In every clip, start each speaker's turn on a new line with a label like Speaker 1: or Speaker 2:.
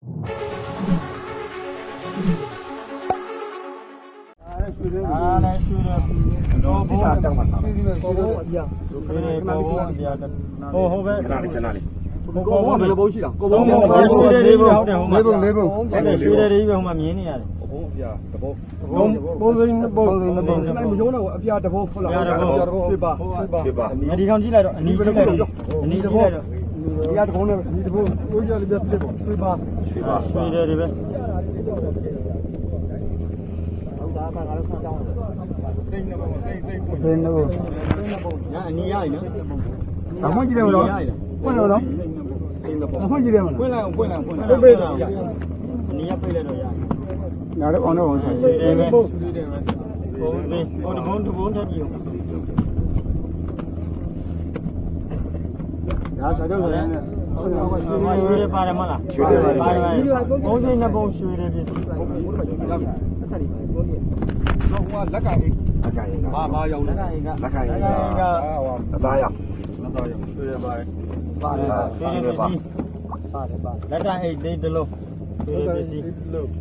Speaker 1: တော့ဘောတောင်းမှာဘောဘောအပြာဘောဘောအပြာဟိုပဲခဏလေးကိုဘောဘယ်လိုဘိုးရှိတာကိုဘောရွှေတယ်လေးပဲဟုတ်တယ်ဟိုမှာဟုတ်တယ်ရွှေတယ်လေးပဲဟိုမှာမြင်နေရတယ်ဘိုးအပြာတဘောဘိုးစိမ်းဘိုးမယုံတော့အပြာတဘောဟုတ်လားရွှေပါဒီကောင်ကြည့်လိုက်တော့အနီးကြည့်လိုက်တော့အနီးကြည့်လိုက်တော့ဒီကတကုန်းနဲ့ဒီတဘောကိုကြလေးပြတ်ပြတ်ပေါ့ရွှေတယ်တွေပဲစိတ်နော်ညာအနီးရည်နော်ဘာမှကြည့်တယ်မလို့ဖွင့်လို့နော်ဘာမှကြည့်တယ်မလားဖွင့်လိုက်အောင်ပေးတော့အနီးရပိတ်လိုက်တော့ရတယ်နားတော့အောင်တော့ဆက်တယ်ပဲဘုံစင်းဟိုတဘုံထက်ကြည့်အောင်ဒါတော့လည်းရွှေရပါတယ်မလားရွှေရပါတယ်ဘုံစင်းနှစ်ဘုံရွှေရပြည့်စုံတော့ဟိုလက်ကအိတ်ဘာရောက်လဲလက်ကိုင်ကအသားရောက်ရွှေရပါတယ်ရွှေရပစ္စည်းလက်ကအိတ်လေးတစ်လုံးရွှေရပစ္စည်း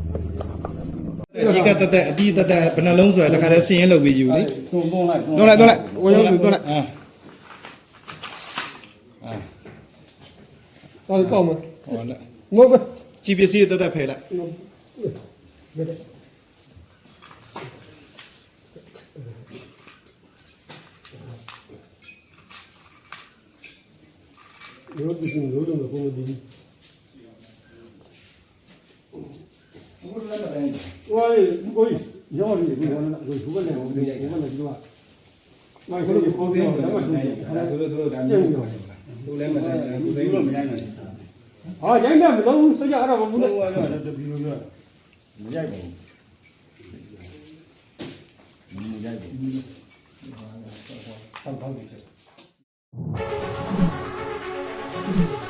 Speaker 2: ကြီးကတက်တက်အတီးတက်တက်ဘယ်နှလုံးဆိုရတခါတည်းဆင်းရဲလုပ်ပြီးယူလေသွန်းလိုက်ဝေယုံသွန်းလိုက်ပေါ့မဟုတ်လားငို့ပဲကြီးပစ္စည်းတက်တက်ဖယ်လိုက်
Speaker 3: ရောဒီလိုလိုတော့ပုံဒီဝိုင်းကိုရောရီဒီကတော့ဘုရားနဲ့ဘုရားနဲ့ဒီတော့မိုင်းဆိုလို့ပုံသေးတယ်တော့ဆိုင်အဲ့ဒါတို့ဒါမျိုးလူလည်းမဆိုင်ဘူးသူတို့မရိုက်နိုင်ဟာရိုက်တယ်မလို့စကြအဲ့ဒါဘူးလို့တပီလို့မရိုက်ဘူးမရိုက်ဘူးဟုတ်တယ်